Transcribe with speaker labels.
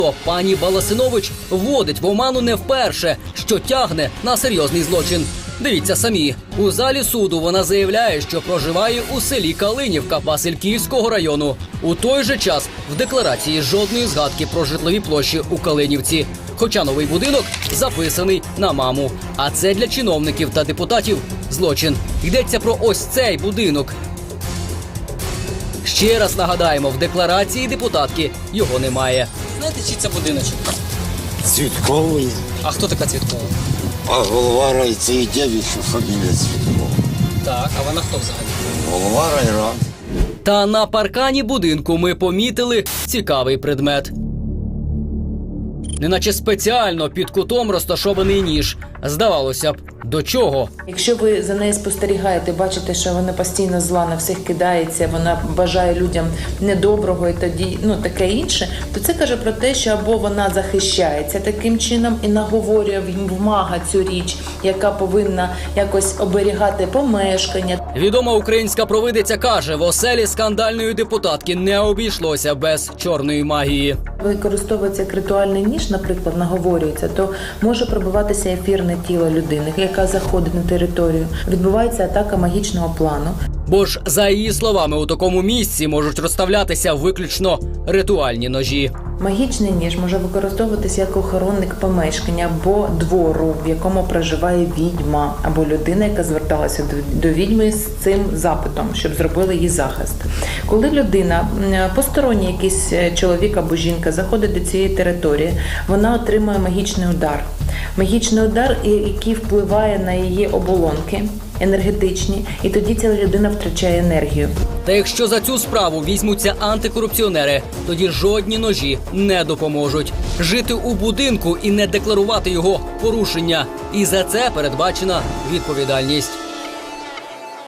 Speaker 1: Пані Баласинович вводить в оману не вперше, що тягне на серйозний злочин. Дивіться самі. У залі суду вона заявляє, що проживає у селі Калинівка Васильківського району. У той же час в декларації жодної згадки про житлові площі у Калинівці. Хоча новий будинок записаний на маму. А це для чиновників та депутатів злочин. Йдеться про ось цей будинок. Ще раз нагадаємо, в декларації депутатки його немає.
Speaker 2: Знаєте, чий це будиночок?
Speaker 3: Цвітковий,
Speaker 2: А хто така Цвіткова?
Speaker 3: а голова райцейдевича фамілія Цвіткова.
Speaker 2: Так, а вона хто взагалі?
Speaker 3: Голова райради.
Speaker 1: Та на паркані будинку ми помітили цікавий предмет. Неначе спеціально під кутом розташований ніж. Здавалося б, до чого?
Speaker 4: Якщо ви за нею спостерігаєте, бачите, що вона постійно зла на всіх кидається, вона бажає людям недоброго і тоді, таке інше, то це каже про те, що або вона захищається таким чином і наговорює в мага цю річ, яка повинна якось оберігати помешкання.
Speaker 1: Відома українська провидиця каже, в оселі скандальної депутатки не обійшлося без чорної магії.
Speaker 4: Використовується як ритуальний ніж, наприклад, наговорюється, то може пробиватися ефірне тіло людини, яка заходить на територію. Відбувається атака магічного плану.
Speaker 1: Бо ж, за її словами, у такому місці можуть розставлятися виключно ритуальні ножі.
Speaker 4: Магічний ніж може використовуватися як охоронник помешкання або двору, в якому проживає відьма, або людина, яка зверталася до відьми з цим запитом, щоб зробили їй захист. Коли людина, посторонній якийсь чоловік або жінка, заходить до цієї території, вона отримує магічний удар. Магічний удар, який впливає на її оболонки енергетичні, і тоді ця людина втрачає енергію.
Speaker 1: Та якщо за цю справу візьмуться антикорупціонери, тоді жодні ножі не допоможуть. Жити у будинку і не декларувати його порушення. І за це передбачена відповідальність.